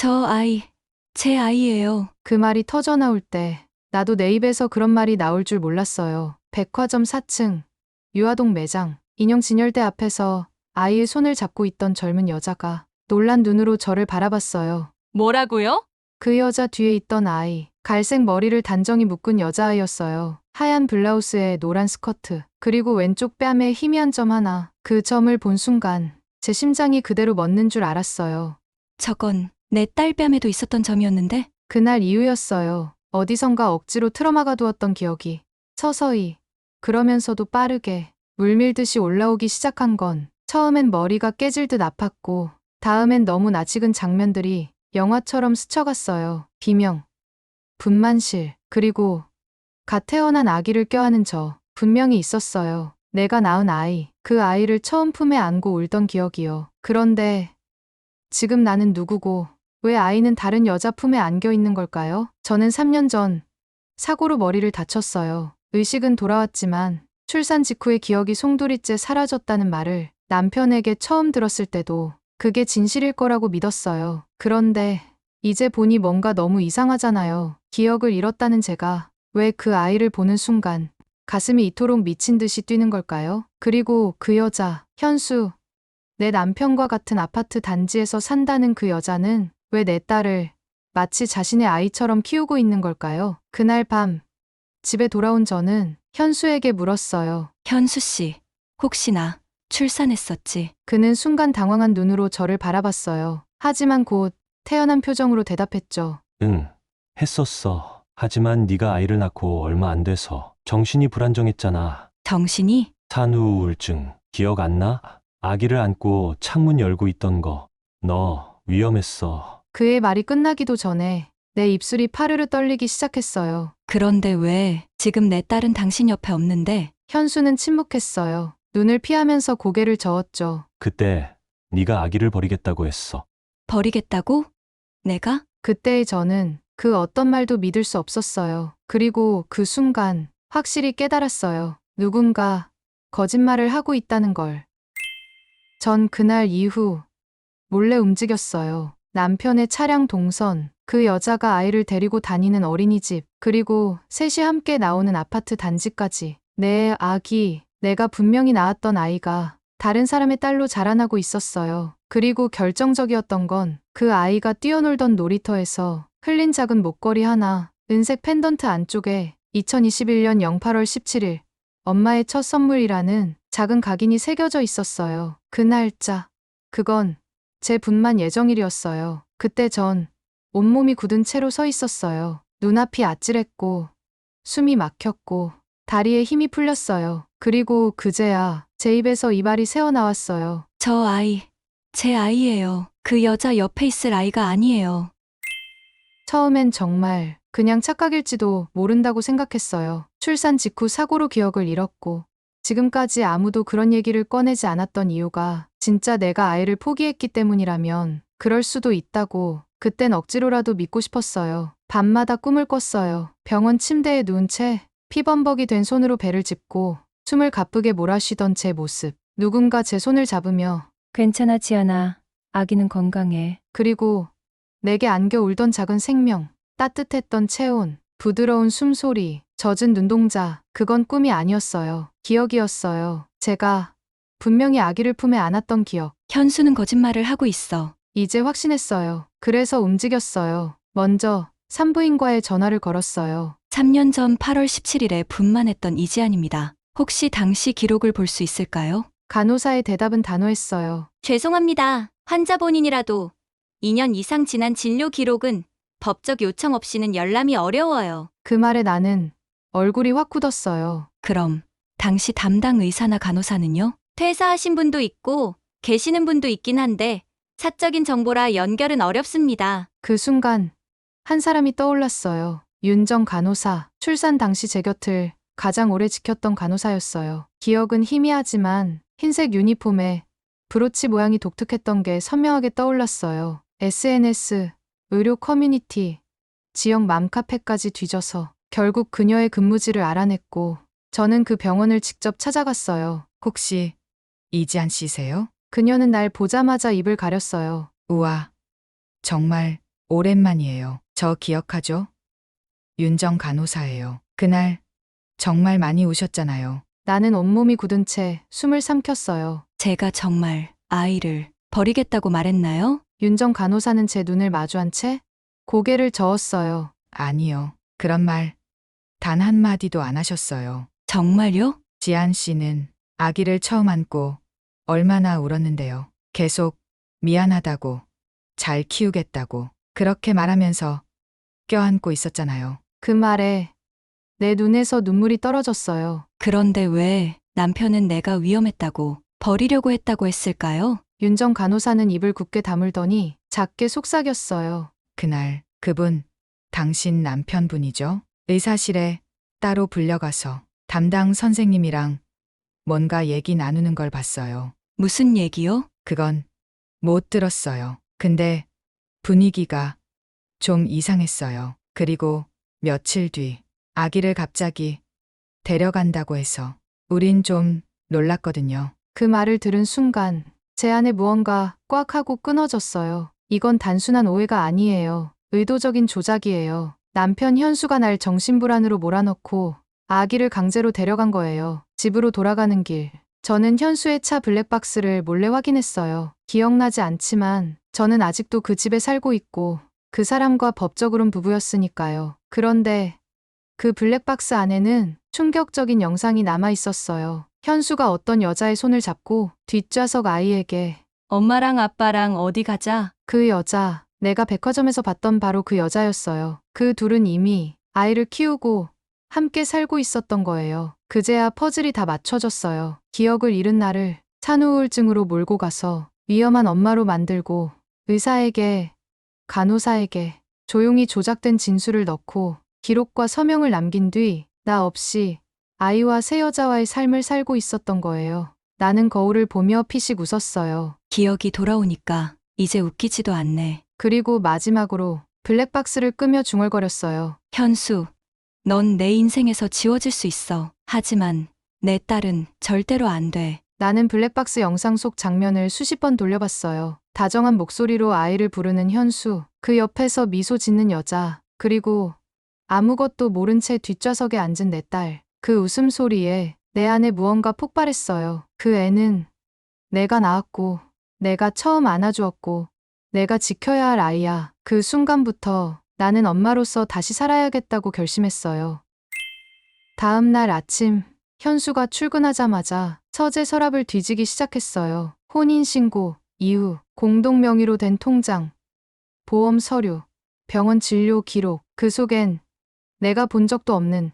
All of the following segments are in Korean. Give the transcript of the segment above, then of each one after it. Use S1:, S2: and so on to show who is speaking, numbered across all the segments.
S1: 저 아이, 제 아이예요.
S2: 그 말이 터져 나올 때 나도 내 입에서 그런 말이 나올 줄 몰랐어요. 백화점 4층, 유아동 매장, 인형 진열대 앞에서 아이의 손을 잡고 있던 젊은 여자가 놀란 눈으로 저를 바라봤어요.
S1: 뭐라고요?
S2: 그 여자 뒤에 있던 아이, 갈색 머리를 단정히 묶은 여자아이였어요. 하얀 블라우스에 노란 스커트, 그리고 왼쪽 뺨에 희미한 점 하나. 그 점을 본 순간 제 심장이 그대로 멎는 줄 알았어요.
S1: 저건 내 딸 뺨에도 있었던 점이었는데?
S2: 그날 이후였어요. 어디선가 억지로 틀어막아 두었던 기억이 서서히, 그러면서도 빠르게 물밀듯이 올라오기 시작한 건 처음엔 머리가 깨질 듯 아팠고 다음엔 너무 낯익은 장면들이 영화처럼 스쳐갔어요. 비명, 분만실, 그리고 갓 태어난 아기를 껴안은 저 분명히 있었어요. 내가 낳은 아이, 그 아이를 처음 품에 안고 울던 기억이요. 그런데 지금 나는 누구고 왜 아이는 다른 여자 품에 안겨 있는 걸까요? 저는 3년 전 사고로 머리를 다쳤어요. 의식은 돌아왔지만 출산 직후의 기억이 송두리째 사라졌다는 말을 남편에게 처음 들었을 때도 그게 진실일 거라고 믿었어요. 그런데 이제 보니 뭔가 너무 이상하잖아요. 기억을 잃었다는 제가 왜 그 아이를 보는 순간 가슴이 이토록 미친 듯이 뛰는 걸까요? 그리고 그 여자, 현수, 내 남편과 같은 아파트 단지에서 산다는 그 여자는 왜 내 딸을 마치 자신의 아이처럼 키우고 있는 걸까요? 그날 밤 집에 돌아온 저는 현수에게 물었어요.
S1: 현수 씨, 혹시 나 출산했었지?
S2: 그는 순간 당황한 눈으로 저를 바라봤어요. 하지만 곧 태연한 표정으로 대답했죠.
S3: 응, 했었어. 하지만 네가 아이를 낳고 얼마 안 돼서 정신이 불안정했잖아.
S1: 정신이?
S3: 산후 우울증 기억 안 나? 아기를 안고 창문 열고 있던 거. 너 위험했어.
S2: 그의 말이 끝나기도 전에 내 입술이 파르르 떨리기 시작했어요.
S1: 그런데 왜 지금 내 딸은 당신 옆에 없는데?
S2: 현수는 침묵했어요. 눈을 피하면서 고개를 저었죠.
S3: 그때 네가 아기를 버리겠다고 했어.
S1: 버리겠다고? 내가?
S2: 그때의 저는 그 어떤 말도 믿을 수 없었어요. 그리고 그 순간 확실히 깨달았어요. 누군가 거짓말을 하고 있다는 걸. 전 그날 이후 몰래 움직였어요. 남편의 차량 동선, 그 여자가 아이를 데리고 다니는 어린이집, 그리고 셋이 함께 나오는 아파트 단지까지. 내 아기, 내가 분명히 낳았던 아이가 다른 사람의 딸로 자라나고 있었어요. 그리고 결정적이었던 건 그 아이가 뛰어놀던 놀이터에서 흘린 작은 목걸이 하나, 은색 펜던트 안쪽에 2021년 08월 17일 엄마의 첫 선물이라는 작은 각인이 새겨져 있었어요. 그 날짜, 그건 제 분만 예정일이었어요. 그때 전 온몸이 굳은 채로 서 있었어요. 눈앞이 아찔했고 숨이 막혔고 다리에 힘이 풀렸어요. 그리고 그제야 제 입에서 이 말이 새어나왔어요.
S1: 저 아이, 제 아이예요. 그 여자 옆에 있을 아이가 아니에요.
S2: 처음엔 정말 그냥 착각일지도 모른다고 생각했어요. 출산 직후 사고로 기억을 잃었고 지금까지 아무도 그런 얘기를 꺼내지 않았던 이유가 진짜 내가 아이를 포기했기 때문이라면 그럴 수도 있다고 그땐 억지로라도 믿고 싶었어요. 밤마다 꿈을 꿨어요. 병원 침대에 누운 채 피범벅이 된 손으로 배를 짚고 숨을 가쁘게 몰아쉬던 제 모습. 누군가 제 손을 잡으며
S4: 괜찮아, 지안아. 아기는 건강해.
S2: 그리고 내게 안겨 울던 작은 생명, 따뜻했던 체온, 부드러운 숨소리, 젖은 눈동자, 그건 꿈이 아니었어요. 기억이었어요. 제가 분명히 아기를 품에 안았던 기억.
S1: 현수는 거짓말을 하고 있어.
S2: 이제 확신했어요. 그래서 움직였어요. 먼저 산부인과에 전화를 걸었어요.
S1: 3년 전 8월 17일에 분만했던 이지안입니다. 혹시 당시 기록을 볼 수 있을까요?
S2: 간호사의 대답은 단호했어요.
S5: 죄송합니다. 환자 본인이라도 2년 이상 지난 진료 기록은 법적 요청 없이는 열람이 어려워요.
S2: 그 말에 나는 얼굴이 확 굳었어요.
S1: 그럼 당시 담당 의사나 간호사는요?
S5: 퇴사하신 분도 있고 계시는 분도 있긴 한데 사적인 정보라 연결은 어렵습니다.
S2: 그 순간 한 사람이 떠올랐어요. 윤정 간호사. 출산 당시 제 곁을 가장 오래 지켰던 간호사였어요. 기억은 희미하지만 흰색 유니폼에 브로치 모양이 독특했던 게 선명하게 떠올랐어요. SNS, 의료 커뮤니티, 지역 맘카페까지 뒤져서 결국 그녀의 근무지를 알아냈고 저는 그 병원을 직접 찾아갔어요.
S6: 혹시 이지안 씨세요?
S2: 그녀는 날 보자마자 입을 가렸어요.
S6: 우와, 정말 오랜만이에요. 저 기억하죠? 윤정 간호사예요. 그날 정말 많이 우셨잖아요.
S2: 나는 온몸이 굳은 채 숨을 삼켰어요.
S1: 제가 정말 아이를 버리겠다고 말했나요?
S2: 윤정 간호사는 제 눈을 마주한 채 고개를 저었어요.
S6: 아니요. 그런 말 단 한마디도 안 하셨어요.
S1: 정말요?
S6: 지안 씨는 아기를 처음 안고 얼마나 울었는데요. 계속 미안하다고, 잘 키우겠다고, 그렇게 말하면서 껴안고 있었잖아요.
S2: 그 말에 내 눈에서 눈물이 떨어졌어요.
S1: 그런데 왜 남편은 내가 위험했다고 버리려고 했다고 했을까요?
S2: 윤정 간호사는 입을 굳게 다물더니 작게 속삭였어요.
S6: 그날 그분 당신 남편분이죠? 의사실에 따로 불려가서 담당 선생님이랑 뭔가 얘기 나누는 걸 봤어요.
S1: 무슨 얘기요?
S6: 그건 못 들었어요. 근데 분위기가 좀 이상했어요. 그리고 며칠 뒤 아기를 갑자기 데려간다고 해서 우린 좀 놀랐거든요.
S2: 그 말을 들은 순간 제 안에 무언가 꽉 하고 끊어졌어요. 이건 단순한 오해가 아니에요. 의도적인 조작이에요. 남편 현수가 날 정신불안으로 몰아넣고 아기를 강제로 데려간 거예요. 집으로 돌아가는 길. 저는 현수의 차 블랙박스를 몰래 확인했어요. 기억나지 않지만 저는 아직도 그 집에 살고 있고 그 사람과 법적으론 부부였으니까요. 그런데 그 블랙박스 안에는 충격적인 영상이 남아 있었어요. 현수가 어떤 여자의 손을 잡고 뒷좌석 아이에게
S1: 엄마랑 아빠랑 어디 가자.
S2: 그 여자, 내가 백화점에서 봤던 바로 그 여자였어요. 그 둘은 이미 아이를 키우고 함께 살고 있었던 거예요. 그제야 퍼즐이 다 맞춰졌어요. 기억을 잃은 나를 산후 우울증으로 몰고 가서 위험한 엄마로 만들고 의사에게, 간호사에게 조용히 조작된 진술을 넣고 기록과 서명을 남긴 뒤 나 없이 아이와 새 여자와의 삶을 살고 있었던 거예요. 나는 거울을 보며 피식 웃었어요.
S1: 기억이 돌아오니까 이제 웃기지도 않네.
S2: 그리고 마지막으로 블랙박스를 끄며 중얼거렸어요.
S1: 현수, 넌 내 인생에서 지워질 수 있어. 하지만 내 딸은 절대로 안 돼.
S2: 나는 블랙박스 영상 속 장면을 수십 번 돌려봤어요. 다정한 목소리로 아이를 부르는 현수, 그 옆에서 미소 짓는 여자, 그리고 아무것도 모른 채 뒷좌석에 앉은 내 딸. 그 웃음소리에 내 안에 무언가 폭발했어요. 그 애는 내가 낳았고, 내가 처음 안아주었고, 내가 지켜야 할 아이야. 그 순간부터 나는 엄마로서 다시 살아야겠다고 결심했어요. 다음 날 아침, 현수가 출근하자마자 서재 서랍을 뒤지기 시작했어요. 혼인신고, 이후, 공동명의로 된 통장, 보험 서류, 병원 진료 기록, 그 속엔 내가 본 적도 없는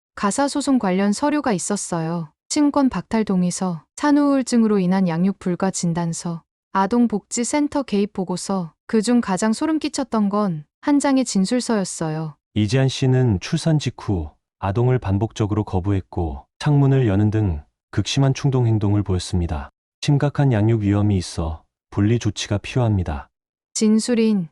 S2: 가사소송 관련 서류가 있었어요. 친권 박탈 동의서, 산후우울증으로 인한 양육 불가 진단서, 아동복지센터 개입 보고서, 그중 가장 소름 끼쳤던 건 한 장의 진술서였어요.
S3: 이지한 씨는 출산 직후 아동을 반복적으로 거부했고 창문을 여는 등 극심한 충동 행동을 보였습니다. 심각한 양육 위험이 있어 분리 조치가 필요합니다.
S2: 진술인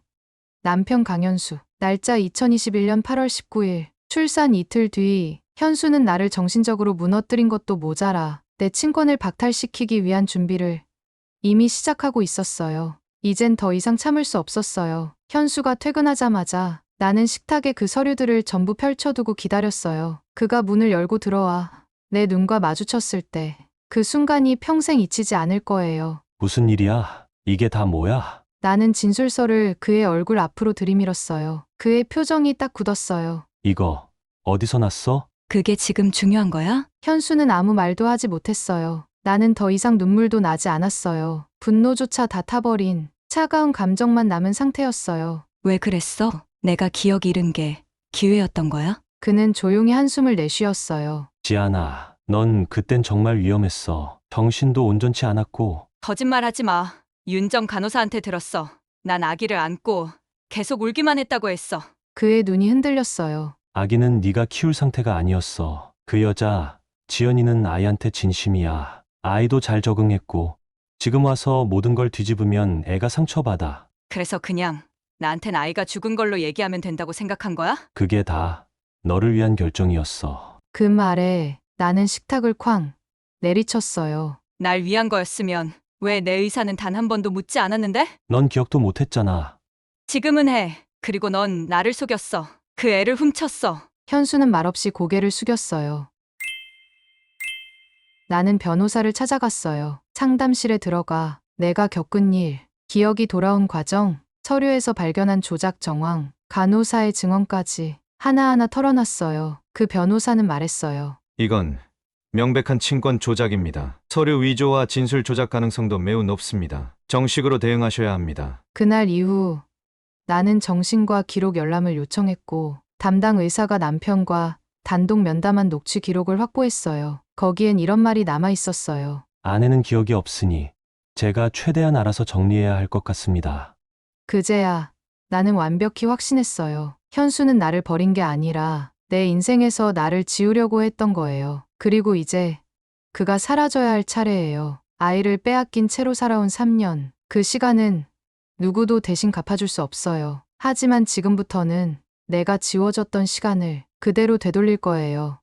S2: 남편 강현수. 날짜 2021년 8월 19일. 출산 이틀 뒤 현수는 나를 정신적으로 무너뜨린 것도 모자라 내 친권을 박탈시키기 위한 준비를 이미 시작하고 있었어요. 이젠 더 이상 참을 수 없었어요. 현수가 퇴근하자마자 나는 식탁에 그 서류들을 전부 펼쳐두고 기다렸어요. 그가 문을 열고 들어와 내 눈과 마주쳤을 때 그 순간이 평생 잊히지 않을 거예요.
S3: 무슨 일이야? 이게 다 뭐야?
S2: 나는 진술서를 그의 얼굴 앞으로 들이밀었어요. 그의 표정이 딱 굳었어요.
S3: 이거 어디서 났어?
S1: 그게 지금 중요한 거야?
S2: 현수는 아무 말도 하지 못했어요. 나는 더 이상 눈물도 나지 않았어요. 분노조차 다 타버린 차가운 감정만 남은 상태였어요.
S1: 왜 그랬어? 내가 기억 잃은 게 기회였던 거야?
S2: 그는 조용히 한숨을 내쉬었어요.
S3: 지아나, 넌 그땐 정말 위험했어. 정신도 온전치 않았고
S5: 거짓말하지 마. 윤정 간호사한테 들었어. 난 아기를 안고 계속 울기만 했다고 했어.
S2: 그의 눈이 흔들렸어요.
S3: 아기는 네가 키울 상태가 아니었어. 그 여자 지연이는 아이한테 진심이야. 아이도 잘 적응했고 지금 와서 모든 걸 뒤집으면 애가 상처받아.
S5: 그래서 그냥 나한텐 아이가 죽은 걸로 얘기하면 된다고 생각한 거야?
S3: 그게 다 너를 위한 결정이었어.
S2: 그 말에 나는 식탁을 쾅 내리쳤어요.
S5: 날 위한 거였으면 왜 내 의사는 단 한 번도 묻지 않았는데?
S3: 넌 기억도 못했잖아.
S5: 지금은 해.
S1: 그리고 넌 나를 속였어. 그 애를 훔쳤어.
S2: 현수는 말없이 고개를 숙였어요. 나는 변호사를 찾아갔어요. 상담실에 들어가 내가 겪은 일, 기억이 돌아온 과정, 서류에서 발견한 조작 정황, 간호사의 증언까지 하나하나 털어놨어요. 그 변호사는 말했어요.
S7: 이건 명백한 친권 조작입니다. 서류 위조와 진술 조작 가능성도 매우 높습니다. 정식으로 대응하셔야 합니다.
S2: 그날 이후 나는 정신과 기록 열람을 요청했고 담당 의사가 남편과 단독 면담한 녹취 기록을 확보했어요. 거기엔 이런 말이 남아 있었어요.
S3: 아내는 기억이 없으니 제가 최대한 알아서 정리해야 할 것 같습니다.
S2: 그제야 나는 완벽히 확신했어요. 현수는 나를 버린 게 아니라 내 인생에서 나를 지우려고 했던 거예요. 그리고 이제 그가 사라져야 할 차례예요. 아이를 빼앗긴 채로 살아온 3년. 그 시간은 누구도 대신 갚아줄 수 없어요. 하지만 지금부터는 내가 지워졌던 시간을 그대로 되돌릴 거예요.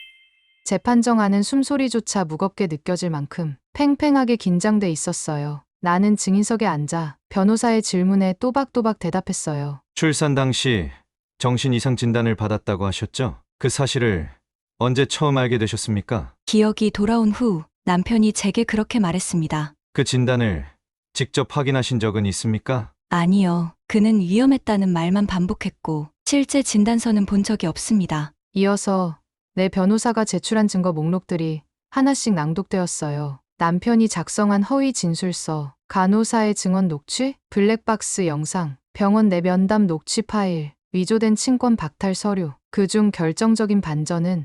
S2: 재판정안은 숨소리조차 무겁게 느껴질 만큼 팽팽하게 긴장돼 있었어요. 나는 증인석에 앉아 변호사의 질문에 또박또박 대답했어요.
S7: 출산 당시 정신 이상 진단을 받았다고 하셨죠? 그 사실을 언제 처음 알게 되셨습니까?
S1: 기억이 돌아온 후 남편이 제게 그렇게 말했습니다.
S7: 그 진단을 직접 확인하신 적은 있습니까?
S1: 아니요. 그는 위험했다는 말만 반복했고 실제 진단서는 본 적이 없습니다.
S2: 이어서 내 변호사가 제출한 증거 목록들이 하나씩 낭독되었어요. 남편이 작성한 허위 진술서, 간호사의 증언 녹취, 블랙박스 영상, 병원 내 면담 녹취 파일, 위조된 친권 박탈 서류. 그중 결정적인 반전은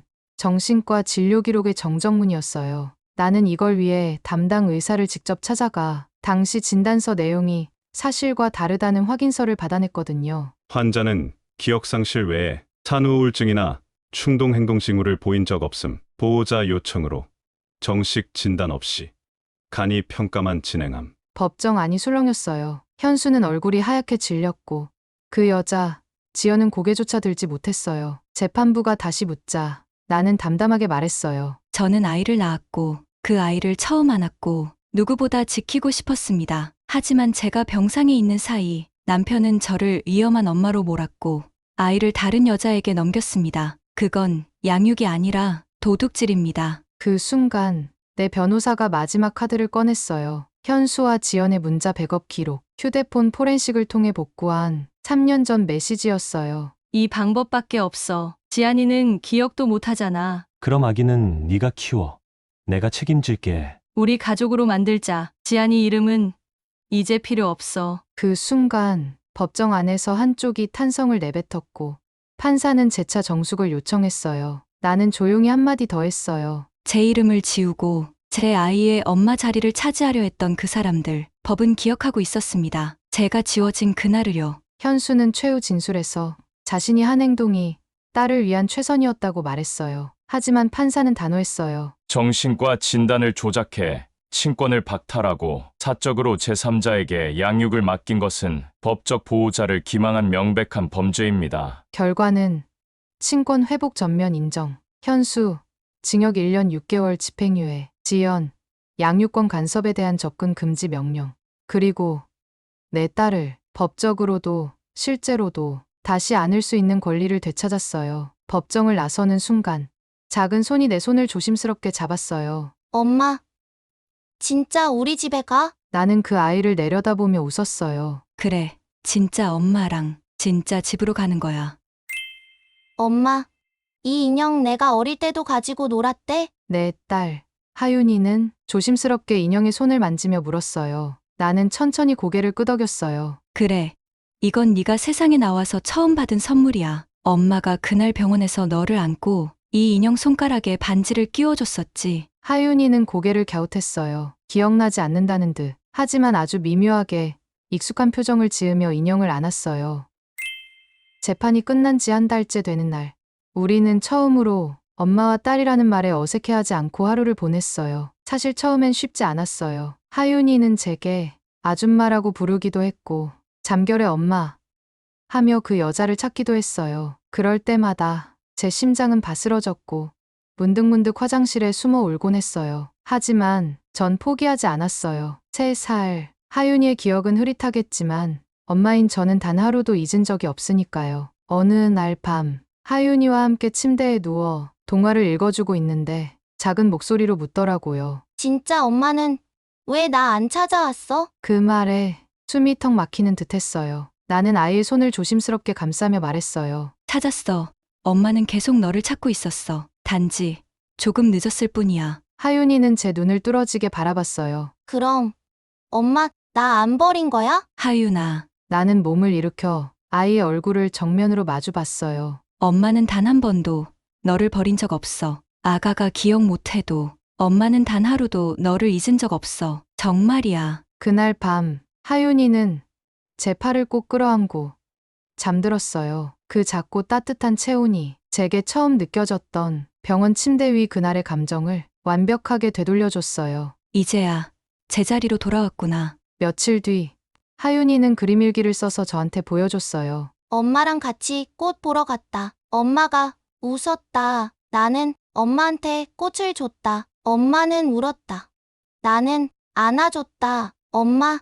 S2: 정신과 진료 기록의 정정문이었어요. 나는 이걸 위해 담당 의사를 직접 찾아가 당시 진단서 내용이 사실과 다르다는 확인서를 받아냈거든요.
S8: 환자는 기억상실 외에 산후우울증이나 충동행동 징후를 보인 적 없음. 보호자 요청으로 정식 진단 없이 간이 평가만 진행함.
S2: 법정안이 술렁였어요. 현수는 얼굴이 하얗게 질렸고 그 여자 지연은 고개조차 들지 못했어요. 재판부가 다시 묻자 나는 담담하게 말했어요.
S1: 저는 아이를 낳았고 그 아이를 처음 안았고 누구보다 지키고 싶었습니다. 하지만 제가 병상에 있는 사이 남편은 저를 위험한 엄마로 몰았고 아이를 다른 여자에게 넘겼습니다. 그건 양육이 아니라 도둑질입니다.
S2: 그 순간 내 변호사가 마지막 카드를 꺼냈어요. 현수와 지연의 문자 백업 기록, 휴대폰 포렌식을 통해 복구한 3년 전 메시지였어요.
S4: 이 방법밖에 없어. 지안이는 기억도 못하잖아.
S3: 그럼 아기는 네가 키워. 내가 책임질게.
S4: 우리 가족으로 만들자. 지안이 이름은 이제 필요 없어.
S2: 그 순간 법정 안에서 한쪽이 탄성을 내뱉었고 판사는 재차 정숙을 요청했어요. 나는 조용히 한마디 더 했어요.
S1: 제 이름을 지우고 제 아이의 엄마 자리를 차지하려 했던 그 사람들, 법은 기억하고 있었습니다. 제가 지워진 그날을요.
S2: 현수는 최후 진술에서 자신이 한 행동이 딸을 위한 최선이었다고 말했어요. 하지만 판사는 단호했어요.
S9: 정신과 진단을 조작해 친권을 박탈하고 사적으로 제3자에게 양육을 맡긴 것은 법적 보호자를 기망한 명백한 범죄입니다.
S2: 결과는 친권 회복 전면 인정. 현수, 징역 1년 6개월 집행유예. 지연, 양육권 간섭에 대한 접근 금지 명령. 그리고 내 딸을 법적으로도 실제로도 다시 안을 수 있는 권리를 되찾았어요. 법정을 나서는 순간 작은 손이 내 손을 조심스럽게 잡았어요.
S10: 엄마, 진짜 우리 집에 가?
S2: 나는 그 아이를 내려다보며 웃었어요.
S1: 그래, 진짜 엄마랑 진짜 집으로 가는 거야.
S10: 엄마, 이 인형 내가 어릴 때도 가지고 놀았대?
S2: 내 딸, 하윤이는 조심스럽게 인형의 손을 만지며 물었어요. 나는 천천히 고개를 끄덕였어요.
S1: 그래, 이건 네가 세상에 나와서 처음 받은 선물이야. 엄마가 그날 병원에서 너를 안고 이 인형 손가락에 반지를 끼워줬었지.
S2: 하윤이는 고개를 갸웃했어요. 기억나지 않는다는 듯. 하지만 아주 미묘하게 익숙한 표정을 지으며 인형을 안았어요. 재판이 끝난 지 한 달째 되는 날, 우리는 처음으로 엄마와 딸이라는 말에 어색해하지 않고 하루를 보냈어요. 사실 처음엔 쉽지 않았어요. 하윤이는 제게 아줌마라고 부르기도 했고 잠결에 엄마 하며 그 여자를 찾기도 했어요. 그럴 때마다 제 심장은 바스러졌고 문득문득 화장실에 숨어 울곤 했어요. 하지만 전 포기하지 않았어요. 3살 하윤이의 기억은 흐릿하겠지만 엄마인 저는 단 하루도 잊은 적이 없으니까요. 어느 날 밤, 하윤이와 함께 침대에 누워 동화를 읽어주고 있는데 작은 목소리로 묻더라고요.
S10: 진짜 엄마는 왜 나 안 찾아왔어?
S2: 그 말에 숨이 턱 막히는 듯 했어요. 나는 아이의 손을 조심스럽게 감싸며 말했어요.
S1: 찾았어. 엄마는 계속 너를 찾고 있었어. 단지 조금 늦었을 뿐이야.
S2: 하윤이는 제 눈을 뚫어지게 바라봤어요.
S10: 그럼 엄마 나 안 버린 거야?
S1: 하윤아,
S2: 나는 몸을 일으켜 아이의 얼굴을 정면으로 마주 봤어요.
S1: 엄마는 단 한 번도 너를 버린 적 없어. 아가가 기억 못해도 엄마는 단 하루도 너를 잊은 적 없어. 정말이야.
S2: 그날 밤 하윤이는 제 팔을 꼭 끌어안고 잠들었어요. 그 작고 따뜻한 체온이 제게 처음 느껴졌던 병원 침대 위 그날의 감정을 완벽하게 되돌려줬어요.
S1: 이제야 제자리로 돌아왔구나.
S2: 며칠 뒤 하윤이는 그림일기를 써서 저한테 보여줬어요.
S10: 엄마랑 같이 꽃 보러 갔다. 엄마가 웃었다. 나는 엄마한테 꽃을 줬다. 엄마는 울었다. 나는 안아줬다. 엄마,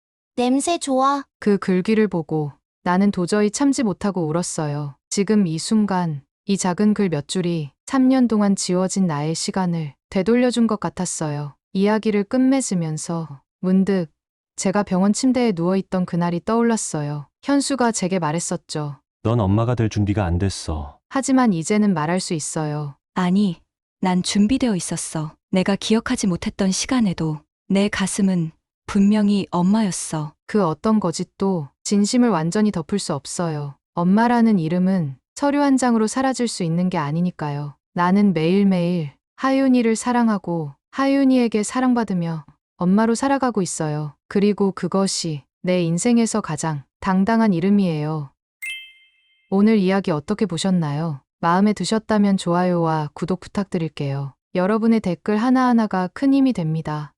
S10: 냄새 좋아.
S2: 그 글귀를 보고 나는 도저히 참지 못하고 울었어요. 지금 이 순간 이 작은 글 몇 줄이 3년 동안 지워진 나의 시간을 되돌려준 것 같았어요. 이야기를 끝맺으면서 문득 제가 병원 침대에 누워있던 그날이 떠올랐어요. 현수가 제게 말했었죠.
S3: 넌 엄마가 될 준비가 안 됐어.
S2: 하지만 이제는 말할 수 있어요.
S1: 아니, 난 준비되어 있었어. 내가 기억하지 못했던 시간에도 내 가슴은 분명히 엄마였어.
S2: 그 어떤 거짓도 진심을 완전히 덮을 수 없어요. 엄마라는 이름은 서류 한 장으로 사라질 수 있는 게 아니니까요. 나는 매일매일 하윤이를 사랑하고 하윤이에게 사랑받으며 엄마로 살아가고 있어요. 그리고 그것이 내 인생에서 가장 당당한 이름이에요. 오늘 이야기 어떻게 보셨나요? 마음에 드셨다면 좋아요와 구독 부탁드릴게요. 여러분의 댓글 하나하나가 큰 힘이 됩니다.